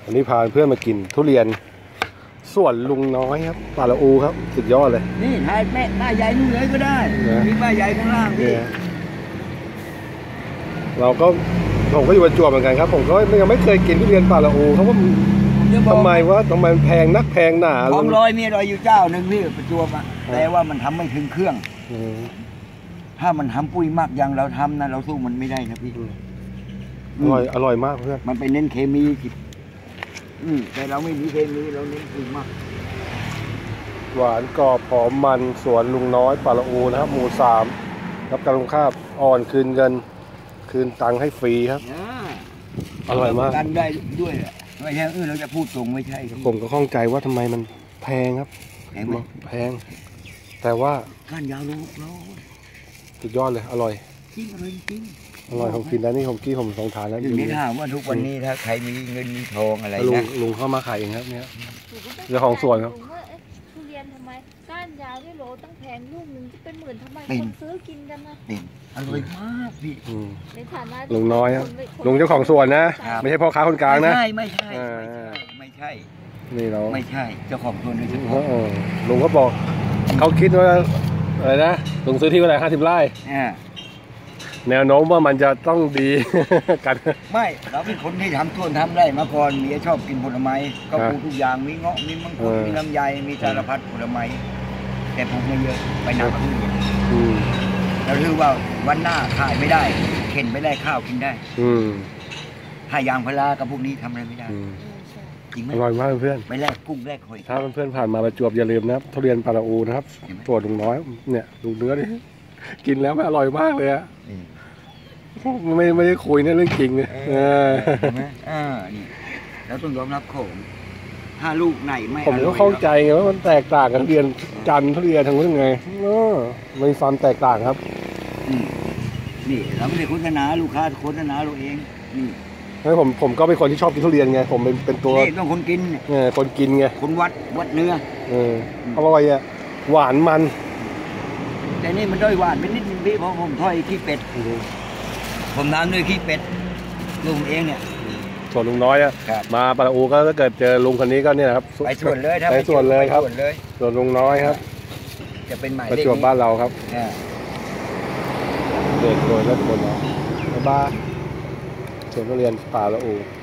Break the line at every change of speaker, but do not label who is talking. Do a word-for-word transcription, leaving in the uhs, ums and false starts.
วันนี้พาเพื่อนมากินทุเรียนส่วนลุงน้อยครับป่าละอูครับสุดยอดเลย
นี่ถ่ายแม่ป้าใหญ่นู่นเลยก็ได้มีป้าใหญ่ข้างล่างพี่
เราก็ผมก็อยู่ประจวบเหมือนกันครับผมก็ยังไม่เคยกินทุเรียนป่าละอูเขาว่าทำไมว่าทำไมแพงนักแพงหนา
ของลอยมีลอยอยู่เจ้าหนึ่งพี่ประจวบอ่ะแต่ว่ามันทำไม่ถึงเครื่องถ้ามันทำปุ้ยมากอย่างเราทำนะเราสู้มันไม่ได้นะพี่
อร่อยอร่อยมากเพื่อน
มันไปเน้นเคมีอืมแต่เราไม่มีเคมีเราเน้นปุ้ยมาก
หวานกรอบหอมมันสวนลุงน้อยป่าละอูนะครับหมู่สามรับการลงค่าอ่อนคืนเงินคืนตังค์ให้ฟรีครับอร่อยมาก
กันได้ด้วยไม่ใช่เออเราจะพูดตรงไม่ใช่
ผมก็ข้องใจว่าทำไมมันแพงครับ
แพงไหม
แพงแต่ว่า
ก้านยาวลูกเรา
สุดยอดเลยอร่อย
จริงอร่อยจริง
อร่อยผมกินแล้วนี่ผมกี้ผมสองทานแล้ว
ถึงได้ถามว่าทุกวันนี้ถ้าใครมีเงินมีทองอะไรนะ
ลุงเข้ามาขายเองครับเนี่ยเจ้าของสวนครับ
ทุเรียนทำไมก้านยาวด้วยโหลตั้งแพงลูกหนึ่งจะเป็นหมื่นทำไมคนซื้อกินกันนะ
อร่อยมากพี่
ในฐานะ
ลุงน้อยครับลุงเจ้าของสวนนะไม่ใช่พ่อค้าคนกลางนะ
ไม่ใช่ไม่ใช่ไม่ใช่
นี่เรา
ไม่ใช่เจ้าของสวนโดยเฉพาะ
ลุงก็บอกเขาคิดว่าอะไรนะลุงซื้อที่เท่าไหร่ห้าสิบไร่แนวโน้มว่ามันจะต้องดีกัน
ไม่เราเป็นคนที่ทำสวนทำไร่มาก่อนเมียชอบกินผลไม้ก็ปลูกทุกอย่างมีเงาะมีมังคุดมีลำไยมีสารพัดผลไม้แต่ปลูกไม่เยอะไปนับทุเรียนเราถือว่าวันหน้าขายไม่ได้เข็นไม่ได้ข้าวกินได้ถ้ายางพารากับพวกนี้ทำอะไรไม่ได้จริงไหม
อร่อยมากเพื่อน
ไปแลกกุ้งแลกหอย
ถ้าเพื่อนผ่านมาประจวบอย่าลืมนะครับทุเรียนป่าละอูนะครับตัวลุงน้อยเนี่ยลุงเนื้อนี่กินแล้วไม่อร่อยมากเลยอะไม่ไม่ได้คุยเนี่ยเรื่องจริงเลยเออ
อ่านี่แล้วต้องยอมรับของถ้าลูกไหนไม่
ผมก็เข้าใจไงว่ามันแตกต่างกันทุเรียนจันทร์ทุเรียนทางนู้นไงเออมีความแตกต่างครับ
นี่เราไม่ได้โฆษณาลูกค้าโฆษณาเราเองนี่
ให้ผมผมก็เป็นคนที่ชอบกินทุเรียนไงผมเป็นเป็นตัว
นี่ต้องคนกิน
เออคนกินไง
คนวัดวัดเนื้อ
เอออร่อยอ่ะหวานมัน
แต่นี่มันด้อยหวานเป็นนิดนึงพี่เพราะผมทอดขี้เป็ดผมทำด้วยขี้เป็ดลุงเองเนี่ย
ส่วนลุงน้อยอะมาป่าละอูก็ถ้าเกิดเจอลุงคนนี้ก็เนี่ยครับ
ไปส่วนเลย
ไปส่วนเลยครับส่วนลุงน้อยครับ
จะเป็นหมายเลข
ประจวบบ้านเราครับเด็กโดยและคนเราบ้านส่วนทุเรียนป่าละอู